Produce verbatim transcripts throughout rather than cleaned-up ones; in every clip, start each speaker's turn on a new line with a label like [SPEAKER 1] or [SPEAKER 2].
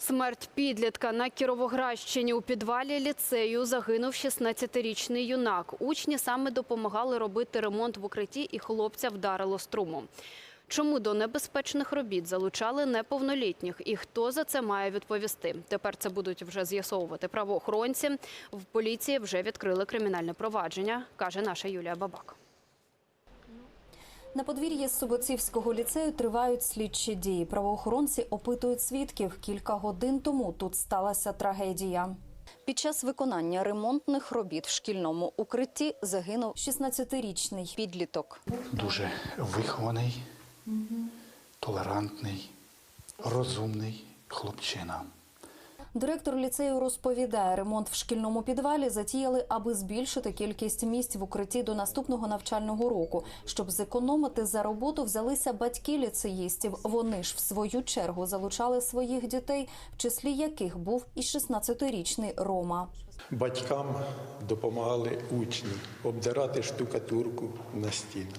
[SPEAKER 1] Смерть підлітка на Кіровоградщині. У підвалі ліцею загинув шістнадцятирічний юнак. Учні саме допомагали робити ремонт в укритті, і хлопця вдарило струмом. Чому до небезпечних робіт залучали неповнолітніх і хто за це має відповісти? Тепер це будуть вже з'ясовувати правоохоронці. В поліції вже відкрили кримінальне провадження, каже наша Юлія Бабак.
[SPEAKER 2] На подвір'ї Суботівського ліцею тривають слідчі дії. Правоохоронці опитують свідків. Кілька годин тому тут сталася трагедія. Під час виконання ремонтних робіт в шкільному укритті загинув шістнадцятирічний підліток.
[SPEAKER 3] Дуже вихований, толерантний, розумний хлопчина.
[SPEAKER 2] Директор ліцею розповідає, ремонт в шкільному підвалі затіяли, аби збільшити кількість місць в укритті до наступного навчального року. Щоб зекономити за роботу, взялися батьки ліцеїстів. Вони ж, в свою чергу, залучали своїх дітей, в числі яких був і шістнадцятирічний Рома.
[SPEAKER 4] Батькам допомагали учні обдирати штукатурку на стінах.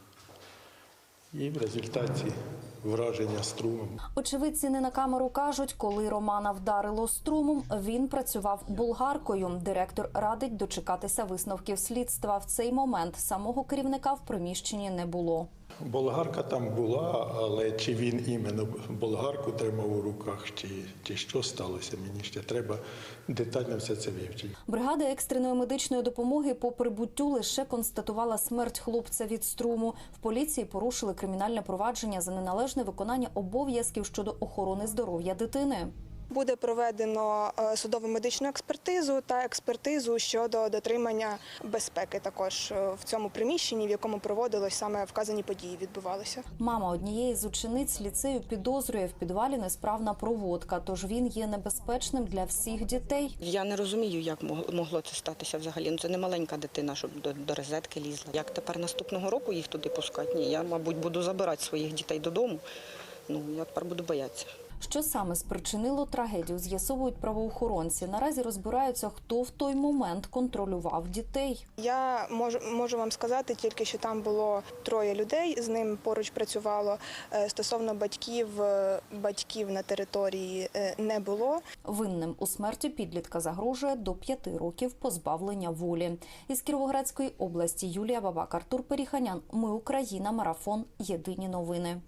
[SPEAKER 4] І в результаті враження струмом.
[SPEAKER 2] Очевидці не на камеру кажуть, коли Романа вдарило струмом, він працював болгаркою. Директор радить дочекатися висновків слідства. В цей момент самого керівника в приміщенні не було.
[SPEAKER 4] Болгарка там була, але чи він іменно болгарку тримав у руках, чи, чи що сталося, мені ще треба детально все це вивчити.
[SPEAKER 2] Бригада екстреної медичної допомоги по прибуттю лише констатувала смерть хлопця від струму. В поліції порушили кримінальне провадження за неналежне виконання обов'язків щодо охорони здоров'я дитини.
[SPEAKER 5] Буде проведено судово-медичну експертизу та експертизу щодо дотримання безпеки також в цьому приміщенні, в якому проводилось саме вказані події, відбувалися.
[SPEAKER 2] Мама однієї з учениць ліцею підозрює, в підвалі несправна проводка, тож він є небезпечним для всіх дітей.
[SPEAKER 6] Я не розумію, як могло це статися взагалі. Ну, це не маленька дитина, щоб до, до розетки лізла. Як тепер наступного року їх туди пускати? Ні, я, мабуть, буду забирати своїх дітей додому. Ну, я тепер буду боятися.
[SPEAKER 2] Що саме спричинило трагедію, з'ясовують правоохоронці. Наразі розбираються, хто в той момент контролював дітей.
[SPEAKER 5] Я можу, можу вам сказати тільки, що там було троє людей, з ним поруч працювало. Стосовно батьків, батьків на території не було.
[SPEAKER 2] Винним у смерті підлітка загрожує до п'яти років позбавлення волі. Із Кіровоградської області Юлія Бабак, Артур Періханян. Ми Україна. Марафон. Єдині новини.